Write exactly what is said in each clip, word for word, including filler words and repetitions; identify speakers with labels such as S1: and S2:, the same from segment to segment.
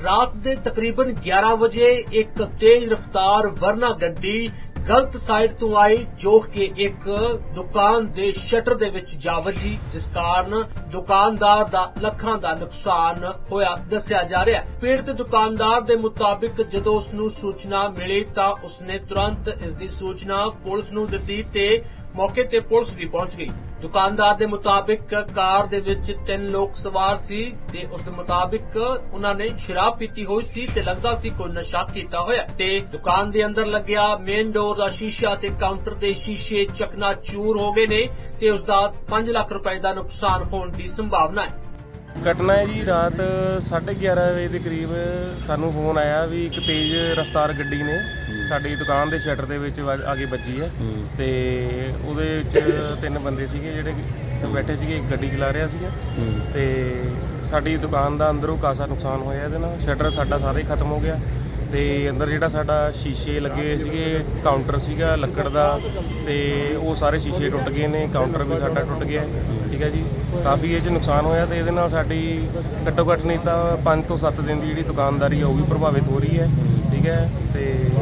S1: रात के तकरीबन ग्यारह बजे एक तेज रफ्तार वरना गड्डी गलत साइड तो आई जो कि एक दुकान दे शटर दे विच जा वजी, जिस कारण दुकानदार दा लखां दा नुकसान होया दस्सिया जा रहा है। पीड़ित दुकानदार दे मुताबिक जदों उसनूं सूचना मिली तां उसने तुरंत इस दी सूचना पुलिस नूं दित्ती ते मौके ते पुलिस भी पहुंच गई। दुकानदार दे मुताबिक कार दे विच तीन लोग सवार सी ते उस दे मुताबिक उन्हां ने शराब पीती हुई सी ते लगदा सी कोई नशा कीता होया ते दुकान दे अंदर लग्या मेन डोर दा शीशा ते काउंटर दे शीशे चकनाचूर हो गए ने ते उसदा पांच लाख रुपए दा नुकसान होने दी संभावना है।
S2: घटना है जी रात साढ़े ग्यारह बजे के करीब सानू फोन आया भी एक तेज़ रफ्तार गड्डी ने साडी दुकान के शटर दे विच आगे बजी है ते उहदे विच तीन बंदे सीगे जिहड़े बैठे सीगे, एक गड्डी चला रहा सीगा ते साडी दुकान दा अंदरों कासा नुकसान होया इहदे नाल। शटर साडा सारा ही खत्म हो गया ते अंदर जिहड़ा साडा शीशे लगे सीगे, काउंटर सीगा लक्कड़ दा ते वो सारे शीशे टुट गए ने, काउंटर भी साडा टुट गया। ठीक है जी, काफ़ी ये च नुकसान होया ते इहदे नाल साडी घट्टो घट्ट नहीं तां पाँच तो सत्त दिन की जिहड़ी दुकानदारी है वो भी प्रभावित हो रही है। ठीक है ते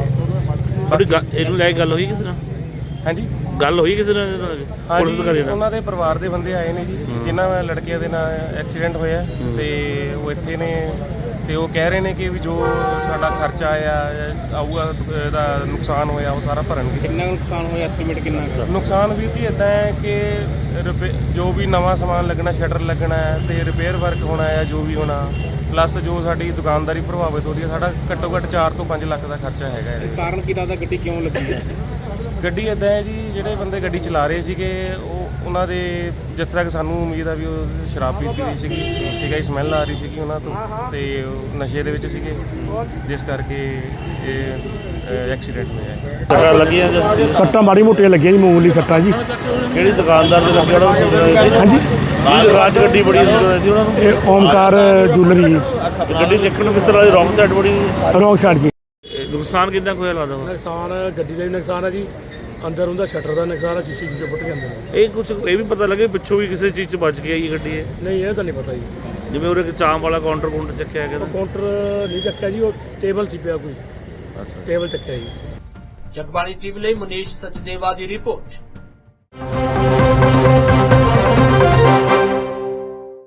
S3: ਇਹਨੂੰ ਲੈ ਕੇ ਗੱਲ ਹੋਈ ਕਿਸੇ ਨਾਲ?
S2: ਹਾਂਜੀ
S3: ਗੱਲ ਹੋਈ ਕਿਸੇ ਨਾਲ? ਪੁਲਿਸ ਅਧਿਕਾਰੀ ਨਾਲ?
S2: ਉਹਨਾਂ ਦੇ ਪਰਿਵਾਰ ਦੇ ਬੰਦੇ ਆਏ ਨੇ ਜੀ, ਜਿਨ੍ਹਾਂ ਲੜਕੀਆਂ ਦੇ ਨਾਲ ਐਕਸੀਡੈਂਟ ਹੋਇਆ ਤੇ ਉਹ ਇੱਥੇ ਨੇ ਤੇ ਉਹ ਕਹਿ ਰਹੇ ਨੇ ਕਿ ਵੀ ਜੋ ਸਾਡਾ ਖਰਚਾ ਆਇਆ ਆਊਗਾ ਇਹਦਾ ਨੁਕਸਾਨ ਹੋਇਆ ਉਹ ਸਾਰਾ ਭਰਨਗੇ।
S3: ਕਿੰਨਾ ਨੁਕਸਾਨ ਹੋਇਆ, ਐਸਟੀਮੇਟ ਕਿੰਨਾ?
S2: ਨੁਕਸਾਨ ਵੀ ਜੀ ਇੱਦਾਂ ਹੈ ਕਿ ਰਿਪੇ ਜੋ ਵੀ ਨਵਾਂ ਸਮਾਨ ਲੱਗਣਾ, ਸ਼ਟਰ ਲੱਗਣਾ ਹੈ ਤੇ ਰਿਪੇਅਰ ਵਰਕ ਹੋਣਾ ਹੈ ਜੋ ਵੀ ਹੋਣਾ, ਪਲੱਸ ਜੋ ਸਾਡੀ ਦੁਕਾਨਦਾਰੀ ਪ੍ਰਭਾਵਿਤ ਹੋ ਰਹੀ ਹੈ, ਸਾਡਾ ਘੱਟੋ ਘੱਟ ਚਾਰ ਤੋਂ ਪੰਜ ਲੱਖ ਦਾ ਖਰਚਾ ਹੈਗਾ ਇਹਦੇ।
S3: ਕਾਰਨ ਕੀ ਲੱਗਦਾ ਗੱਡੀ ਕਿਉਂ ਲੱਗੀ ਹੈ?
S2: ਗੱਡੀ ਇੱਦਾਂ ਹੈ ਜੀ, ਜਿਹੜੇ ਬੰਦੇ ਗੱਡੀ ਚਲਾ ਰਹੇ ਸੀਗੇ ਉਹ ਉਹਨਾਂ ਦੇ ਜਿਸ ਤਰ੍ਹਾਂ ਕਿ ਸਾਨੂੰ ਉਮੀਦ ਆ ਵੀ ਉਹ ਸ਼ਰਾਬ ਪੀਤੀ ਹੋਈ ਸੀਗੀ। ਠੀਕ ਹੈ, ਸਮੈਲ ਆ ਰਹੀ ਸੀਗੀ ਉਹਨਾਂ ਤੋਂ ਤੇ ਉਹ ਨਸ਼ੇ ਦੇ ਵਿੱਚ ਸੀਗੇ, ਜਿਸ ਕਰਕੇ ਇਹ ਐਕਸੀਡੈਂਟ ਹੋਇਆ।
S3: ਸੱਟਾਂ ਲੱਗੀਆਂ?
S4: ਸੱਟਾਂ ਮਾੜੀ ਮੋਟੀਆਂ ਲੱਗੀਆਂ ਜੀ, ਮਾਮੂਲੀ ਸੱਟਾਂ ਜੀ।
S3: ਕਿਹੜੀ ਦੁਕਾਨਦਾਰ ਦੇ ਨਾਲ ਕਿਹੜਾ
S4: ਹਾਂਜੀ,
S3: ਆਹ ਰਾਜ ਗੱਡੀ ਬੜੀ ਸੀ ਉਹਨਾਂ ਨੂੰ?
S4: ਇਹ ਓਮਕਾਰ ਜੂਲਰੀ
S3: ਗੱਡੀ ਦੇਖਣ ਨੂੰ ਕਿਸ ਤਰ੍ਹਾਂ ਦੀ ਰੌਂਗ ਸਾਈਡ ਬੜੀ?
S4: ਰੋਂਗ ਸਾਈਡ ਜੀ।
S3: ਨੁਕਸਾਨ ਕਿੰਨਾ ਕੁ ਹੋਇਆ ਲੱਗਦਾ?
S4: ਨੁਕਸਾਨ ਗੱਡੀ ਦਾ ਵੀ ਨੁਕਸਾਨ ਹੈ ਜੀ, ਅੰਦਰ ਉਹਦਾ ਸ਼ਟਰ ਦਾ ਨੁਕਸਾਨ ਹੈ, ਸ਼ੀਸ਼ੇ ਸ਼ੀਸ਼ੇ ਫੁੱਟ ਜਾਂਦੇ ਨੇ।
S3: ਇਹ ਕੁਝ ਇਹ ਵੀ ਪਤਾ ਲੱਗੇ ਪਿੱਛੋਂ ਵੀ ਕਿਸੇ ਚੀਜ਼ 'ਚ ਬਚ ਗਈ ਇਹ ਗੱਡੀ? ਹੈ
S4: ਨਹੀਂ, ਇਹ ਤਾਂ ਨਹੀਂ ਪਤਾ ਜੀ।
S3: ਜਿਵੇਂ ਉਹਦੇ ਚਾਂਪ ਵਾਲਾ ਕਾਊਂਟਰ ਕਾਊਂਟਰ ਚੱਕਿਆ ਗਿਆ?
S4: ਕਾਊਂਟਰ ਨਹੀਂ ਚੱਕਿਆ ਜੀ, ਉਹ ਟੇਬਲ ਸੀ ਪਿਆ ਕੋਈ,
S3: ਅੱਛਾ,
S4: ਟੇਬਲ ਚੱਕਿਆ ਜੀ।
S1: ਜਗਬਾਣੀ ਟੀਵੀ ਲਈ ਮਨੀਸ਼ ਸਚਦੇਵਾ ਦੀ ਰਿਪੋਰਟ।